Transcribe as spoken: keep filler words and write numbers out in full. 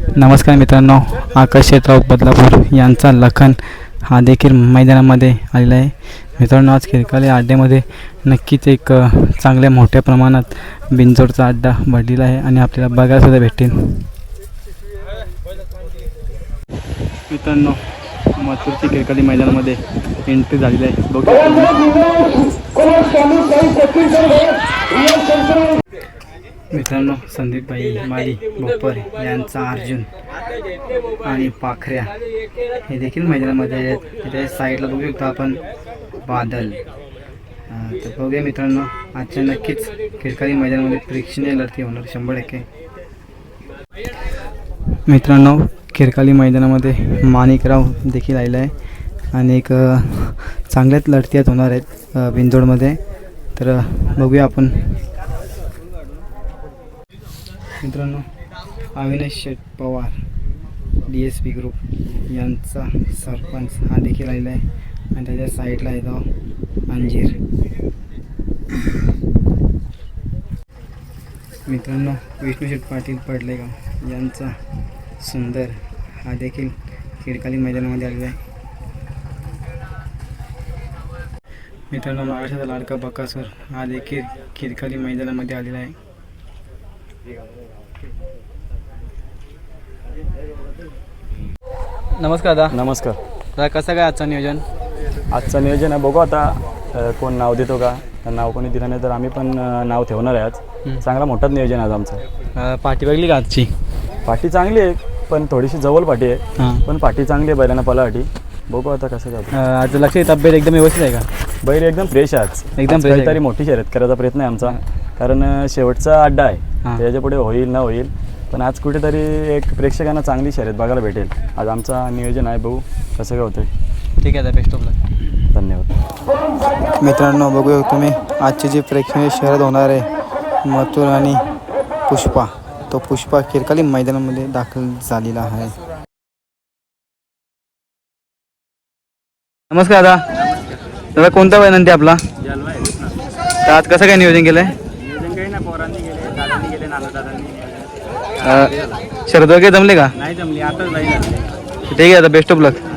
नमस्कार मित्रांनो, आकाश क्षेत्रात बदलापूर यांचा लखन हा देखील मैदानामध्ये आलेला आहे. मित्रांनो, आज खिरकाली अड्ड्यामध्ये नक्कीच एक चांगल्या मोठ्या प्रमाणात बिनजोडचा अड्डा भरलेला आहे आणि आपल्याला बघायला सुद्धा भेटेल. मित्रांनो, मथुरची खिरकाली मैदानामध्ये एंट्री झालेली आहे. मित्रांनो, संदीपभाई माली बोपर यांचा अर्जुन आणि पाखऱ्या हे देखील मैदानामध्ये आहेत. त्याच्या साईडला बघू शकतो आपण बादल. तर बघूया मित्रांनो, आजच्या नक्कीच खिरकाली मैदानामध्ये प्रेक्षणीय लढती होणार शंभर टक्के. मित्रांनो, खिरकाली मैदानामध्ये माणिकराव देखील आलेला आहे आणि एक चांगल्याच लढती होणार आहेत बिनजोडमध्ये. तर बघूया आपण. मित्रांनो, Avinash Sheth Pawar D S P group यांचा सरपंच हा देखील आलेला आहे आणि त्याच्या साईडला आहे तो अंजीर. मित्रांनो, विष्णू शेठ पाटील पडलेगाव यांचा सुंदर हा देखील खिरकाली मैदानामध्ये आलेला आहे. मित्रांनो, महाराष्ट्राचा लाडका बकासूर हा देखील खिरकाली मैदानामध्ये आलेला आहे. नमस्कार दादा. नमस्कार दादा, कसं काय आजचं नियोजन? आजचं नियोजन आहे, बघू आता अ, कोण नाव देतो का. नाव कोणी दिलं नाही तर आम्ही पण अ, नाव ठेवणार आहे. आज चांगला मोठाच नियोजन आहे आज आमचं. पाठी बघली का आजची? पाठी चांगली आहे, पण थोडीशी जवळ पाठी आहे. हां, पण पाठी चांगली आहे बैलांना पलाठी. बघू आता कसं जातं. आज लक्ष तब्येत एकदम व्यवस्थित आहे का? बैल एकदम फ्रेश आहे आज. एकदम आज fresh आहे काहीतरी मोठी शर्यत करायचा प्रयत्न आहे आमचा, कारण अ, शेवटचा अड्डा आहे. हां. त्याच्या पुढे होईल ना होईल, पण आज कुठेतरी एक प्रेक्षकांना चांगली शर्यत बघायला भेटेल. आज आमचा नियोजन आहे, बघू कसं काय होतं. ठीक आहे, बेस्ट ऑफ लक. धन्यवाद. मित्रांनो, बघूया तुम्ही आजची जी प्रेक्षणीय शर्यत होणार आहे मथुर आणि पुष्पा, तो पुष्पा खिरकाली मैदानामध्ये दाखल झालेला आहे. नमस्कार दादा. दादा, कोणता वय नंदी आपला? तर आज कसं काय नियोजन केलं आहे? शरद वगैरे जमले का? नाही जमली, आता जाईल. ठीक आहे, आता बेस्ट ऑफ लक.